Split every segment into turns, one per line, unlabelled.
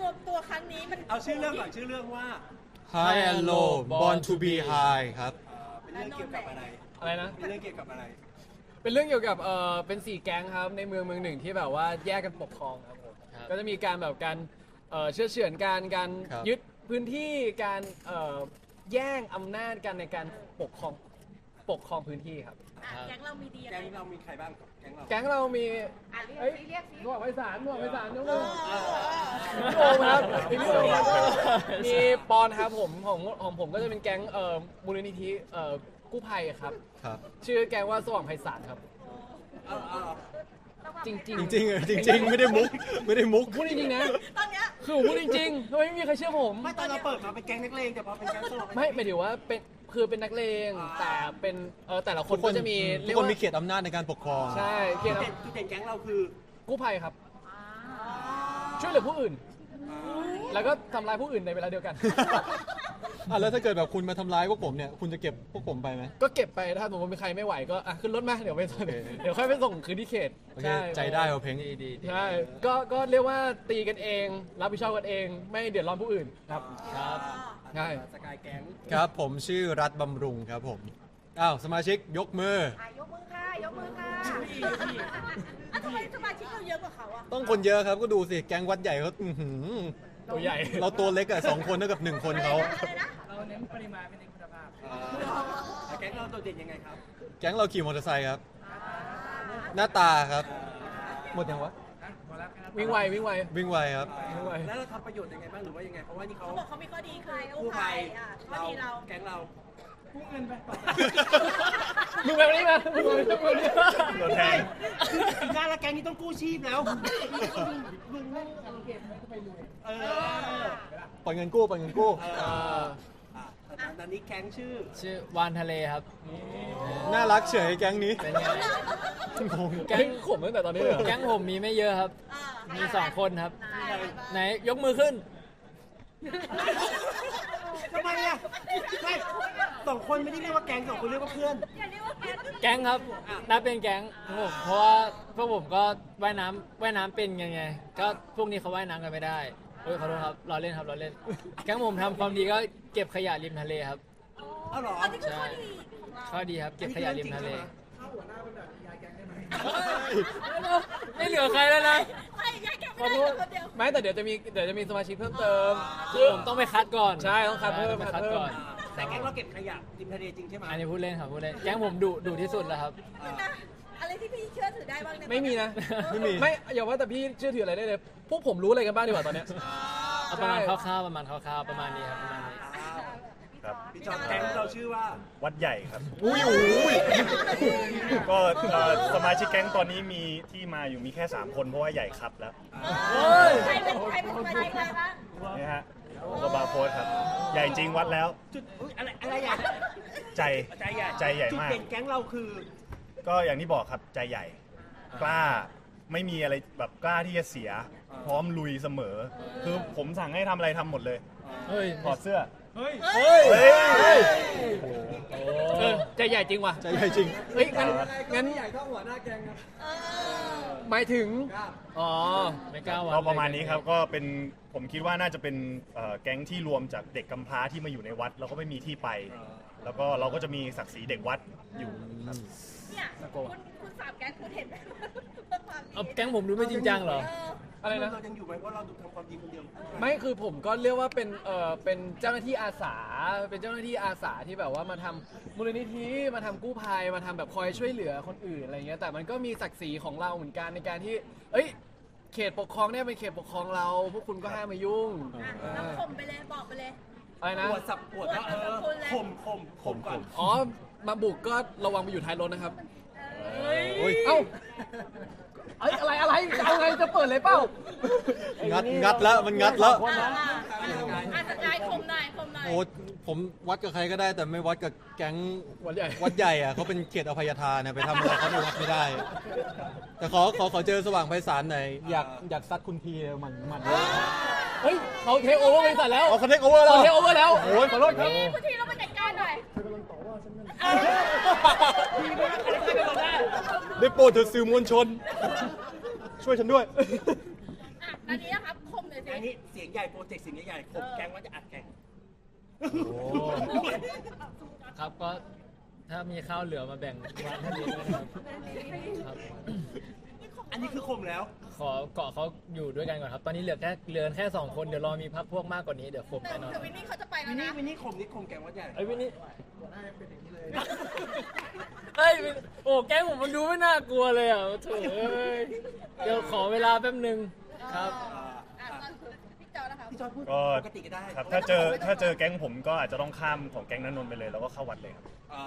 วมตัวครั้งนี้มัน
เอาชื่อเรื่องก่อนชื่อเรื่องว่า
High and Low Born to be High ครับ
เป็นเรื่องเกี่ยวกับอะไร
อะไรนะ
เป็นเรื่องเกี่ยวกับอะไร
เป็นเรื่องเกี่ยวกับเป็น4แก๊งครับในเมืองหนึ่งที่แบบว่าแยกกันปกครองครับผมก็จะมีการแบบการเชื่อเฉือนการ
ครับ
ยึดพื้นที่การแย่งอำนาจกันในการปกครองพื้นที่ครับ
แก๊งเรามีดีอะไร
แก๊งเรามีใครบ้างแก๊งเรา
แก๊งเรามี
เรียกสิเรียกสิ
หนวดไพศาลยกมือพี่โอมครับพี่โอมแล้วก็มีปอนครับผมของผมก็จะเป็นแก๊งมูลนิธิกู้ภัยครับ
ครับ
ชื่อแก๊งว่าสว่างไพศาลครับ
เอา
จริง
จริงๆจริงๆไม่ได้มุก
พูดจริงๆนะ
ตอนเนี้ย
คือผมพูดจริงๆทำไมไม่มีใครเชื่อผม
ไม่ตอนเราเปิดมาเป็นแก๊งนักเลงแต่พอเป็นแก๊งสลบ
ไม่หมายถึงว่าเป็นนักเลงแต่เป็นแต่ละคนก็จะมี
ทุกคนมีเขตอำนาจในการปกครอง
ใช่เกียรติ
จุดเด่นแก๊งเราคือ
กู้ภัยครับ ช่วยเหลือผู้อื่น แล้วก็ทำร้ายผู้อื่นในเวลาเดียวกัน
แล้วถ้าเกิดแบบคุณมาทำร้ายพวกผมเนี่ยคุณจะเก็บพวกผมไปไหม
ก็เก็บไปถ้าสมมติมีใครไม่ไหวก็ขึ้นรถมาเดี๋ยวไปส่งเดี๋ยวค่อยไปส่งคืนที่เขต
โอเคใจได้เอาเพลงดี
ใช่ก็เรียกว่าตีกันเองรับผิดชอบกันเอง ไม่เดือดร้อนผู้อื่นครับ ใช่
สกายแก๊ง
ครับผมชื่อรัฐบำรุงครับผมสมาชิกยกมือ
ยกมือค่ะยกมือค่ะทำไมสมาชิกเราเยอะกว่าเขาอ่ะ
ต้องคนเยอะครับก็ดูสิแก๊งวัดใหญ่เขา
ตัวใหญ่
เราตัวเล็กอะ2 คนเท่ากับ1 คนเขา
อะไรนะ
เราเน้นปริมาณไม่เน้นคุณภาพ
แก๊งเราโดดเด่นยังไงครับ
แก๊งเราขี่มอเตอร์ไซค์ครับ หน้าตาครับ หมดยังวะ
วิ่งไว
วิ่งไวครับ
วิ่งไว
แล้วเราทำประโยชน์ยังไงบ้างหรือว่ายังไงเพราะว่านี่เขา
เขาบอกเขามีข้อดีคือกู้
กู้
ภั
ภั
ย
ย
ข้อดีเรา
แก๊งเรา
มึงไปวันนี้มามึงไปวันนี้
โดนแทงคือการละแก๊งนี้ต้องกู้ชีพแล้วเออ
ปล่อยเงินกู้ตอน
นี้แก๊งชื่อ
วานทะเลครับ
น่ารักเฉยแก๊งนี้
เป็นไง
งง
แก๊งขมตั้งแต่ตอนนี้เลยเหรอ
แก๊งผมมีไม่เยอะครับ มี 2 คนครับ ไหนยกมือขึ้น
ทำไมอ่ะไม่2 คนไม่ได้เรียกว่าแก๊ง2 คนเรียกว่าเพื่อน
อย่าเรียกว่าแก๊ง
แก๊งครับนับเป็นแก๊งครับผมเพราะว่าพวกผมก็ว่ายน้ำเป็นไงก็พวกนี้เขาว่ายน้ำกันไม่ได้ขอโทษครับล้อเล่นครับล้อเล่น แก๊งผมทำความดีก็เก็บขยะริมทะเลครับ
เอาเหรอ
อันนี้คือข้อดีของเรา
ข้อดีครับเก็บขยะริมทะเล
อันนี้เรื่องจริงใช่ไหม
ไม่เหลือใครแล้วนะ
ใครย้ายแก๊ง
ขอ
ไม่
โท
ได้
ษ
คนเดียว
ไม่แต่เดี๋ยวจะมีสมาชิกเพิ่มเติม
คือผมต้องไปคัดก่อน
ใช่ต้องคัดเพิ่ม
ไปคัดก่อน
แต่แก๊งเราเก็บขยะริมทะเลจริงใช่ไหม
อันนี้พูดเล่นครับพูดเล่นแก๊งผมดุที่สุดแล้วครับ
อะไรที่พี่เชื่อถือได้บ้างเนี่ย
ไม่มีนะ
ไม่มี
ไม่อย่าว่าแต่พี่เชื่อถืออะไรได้เลย พวกผมรู้อะไรกันบ้างดีกว่าตอนเนี้ย
เอาประมาณคร่าวๆประมาณนี้ครับประมาณนี้
ครับ
พี่จอมแก๊งเราชื่อว่า
วัดใหญ่ครับ
อุ้ย
ก็สมาชิกแก๊งตอนนี้มีที่มาอยู่มีแค่ 3 คนเพราะว่าใหญ่ครับแล้ว
ใครเป็นสมาชิกอะไรบ้าง
นี่ฮะก็บาร์โค้ดครับ ใหญ่จริงวัดแล้ว
จุดอะไรใหญ่
ใจ
ใจใหญ่
มาก
จุดเด่นแก๊งเราคือ
ก็อย่างที่บอกครับใจใหญ่ กล้าไม่มีอะไรแบบกล้าที่จะเสีย พร้อมลุยเสมอ คือผมสั่งให้ทำอะไรทำหมดเลย
เฮ้ย
ถอดเสื้อ
เฮ้ย
เฮ้ย
ใจใหญ่จริงว่ะ
ใจใหญ่จริง
เฮ้ยงั้นหมายถึงอ๋อ
ไม่กล้าวัด
ก็ประมาณนี้ครับก็เป็นผมคิดว่าน่าจะเป็นแก๊งที่รวมจากเด็กกำพร้าที่มาอยู่ในวัด แล้วก็ไม่มีที่ไป แล้วก็เราก็จะมีศักดิ์ศรีเด็กวัดอยู่ครับ
เนี่ยคุณสามแก๊งคุณเห็นไหมความดี
เอาแก๊งผมดูไม่จริงจังเหรอ
อะไรนะ
เรายังอยู่ไหมเพราะเราทำความดีคนเดียว
ไม่คือผมก็เรียกว่าเป็นเจ้าหน้าที่อาสาเป็นเจ้าหน้าที่อาสาที่แบบว่ามาทำมูลนิธิมาทำกู้ภัยมาทำแบบคอยช่วยเหลือคนอื่นอะไรเงี้ยแต่มันก็มีศักดิ์ศรีของเราเหมือนกันในการที่เขตปกครองเนี่ยเป็นเขตปกครองเราพวกคุณก็ห้ามมายุ่ง
แล้วข่มไปเลยบอกไปเลย
อะไรนะ
ปวดสับปวดว่าข่มก่อน
อ๋อมาบุกก็ระวังไปอยู่ท้ายรถนะครับ
โอ้ย
เอ้าอะไรเอาไงจะเปิดเลยเปล่า
งัดแล้วมันงัดแล้ว
สกายข่มหน่อย
โอ้ผมวัดกับใครก็ได้แต่ไม่วัดกับแก๊ง
วัดใหญ่
วัดใหญ่อะเขาเป็นเขตอภัยทานนะไปทำอะไรเขาในวัดไม่ได้ แต่ขอเจอสว่างไพศาลหน่อยอยากซัดคุณทีเลยมัน
เฮ้ยเขาเทคโอเวอร์บริษัทแล้ว
เขาเทคโอเวอร์แล้ว
เขาเทคโอเวอร์แล้ว
โอ้ยขอโทษครับ
พี่ทีเราไปจัดการหน่อย
ได้โปรดเถอะสื่อมวลชน ช่วยฉันด้วย
ตอนนี้นะครับข่มหน่อยสิ
อันนี้เสียงใหญ่โปรเจกต์เสียงใหญ่ๆผมแก๊งว่าจะอัดแข่ง
โอ้ครับก็ถ้ามีข้าวเหลือมาแบ่งวันท่านนี้ด้วยนะครับครับ
อันนี้คือข่มแล้ว
ขอเกาะเขาอยู่ด้วยกันก่อนครับ ตอนนี้เหลือแค่2 คนเดี๋ยวรอมีพักพวกมากกว่านี้เดี๋ยวครบ
แต่
แน่นอน
วินนี่เขาจะไปแล้ว
วินนี่
นะ
ข่มนี่ข่มแก๊งว่าใหญ่
ไอ้วินนี่เอ้ยวินโอ้แก๊งผมมันดูไม่น่ากลัวเลยอ่ะโถ่เอ้ยเดี๋ยวขอเวลาแป๊บนึงครับ
พี่จอนะคะ
พี่จอยพูด
ก็
ปกติก็ได้
ครับถ้าเจอแก๊งผมก็อาจจะต้องข้ามของแก๊งนันนนท์ไปเลยแล้วก็เข้าวัดเลยครับ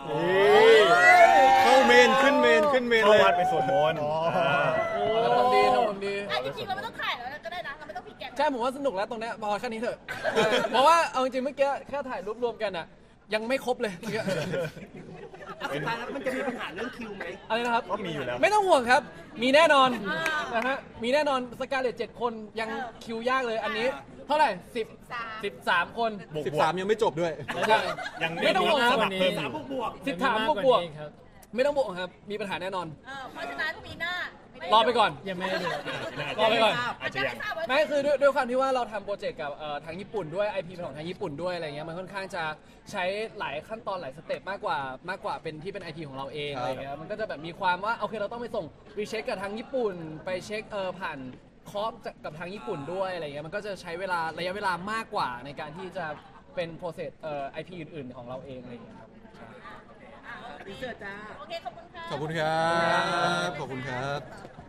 เข้าเมนขึ้นเมนขึ้นเมน
เข้า
เลย
วัดไปสวดมนต์
ทำความดีทำความดี
จริงๆเราไม่ต้องถ่ายแล้วก็ได้นะเราไม่ต้องพี่แกง
ใช่ผมว่าสนุกแล้วตรงเนี้ยพอแค่นี้เถอะเพราะว่าเอาจริงๆเมื่อกี้แค่ถ่ายรูปรวมกันอ่ะยังไม่ครบเลยเมื่อกี้
สุดท้ายแล้วมันจะมีปัญหาเรื่องคิวไหม
อะไรนะครับ
ก็มีอยู่แล้ว
ไม่ต้องห่วงครับ มีแน่นอนนะฮะมีแน่นอนสกาเลต7 คนยังคิวยากเลยอันนี้เท่าไหร่13 คน
บวก
13 ยังไม่จบด้วย
ใช่
ยัง
ไม่ต้องห่วงครับ
สมัครเพิ่ม
สามบวก
13บวกๆ
ครับ
ไม่ต้องบวกครับมีปัญหาแน่นอน
เพราะฉะนั้นปีหน้าร
อไปก่อน
ยังไม่ได้ดู
รอไปก่อน
อาจจะยัง
ไม่คือด้วยความที่ว่าเราทำโปรเจกต์กับทางญี่ปุ่นด้วย IP เป็นของทางญี่ปุ่นด้วยอะไรเงี้ยมันค่อนข้างจะใช้หลายขั้นตอนหลายสเต็ปมากกว่าเป็นที่เป็น IP ของเราเอง
ครับ
อะไรเงี้ยมันก็จะแบบมีความว่าโอเคเราต้องไปส่งรีเช็คกับทางญี่ปุ่น ไปเช็คผ่านคอปกับทางญี่ปุ่นด้วยอะไรเงี้ยมันก็จะใช้เวลาระยะเวลามากกว่าในการที่จะเป็นโปรเซสIP อื่นๆของเราเองอะไรเงี้ยครับ
ดีเซอร์จ้า
โอเคขอบคุณค่ะ
ขอบคุณครับ ขอบคุณครับ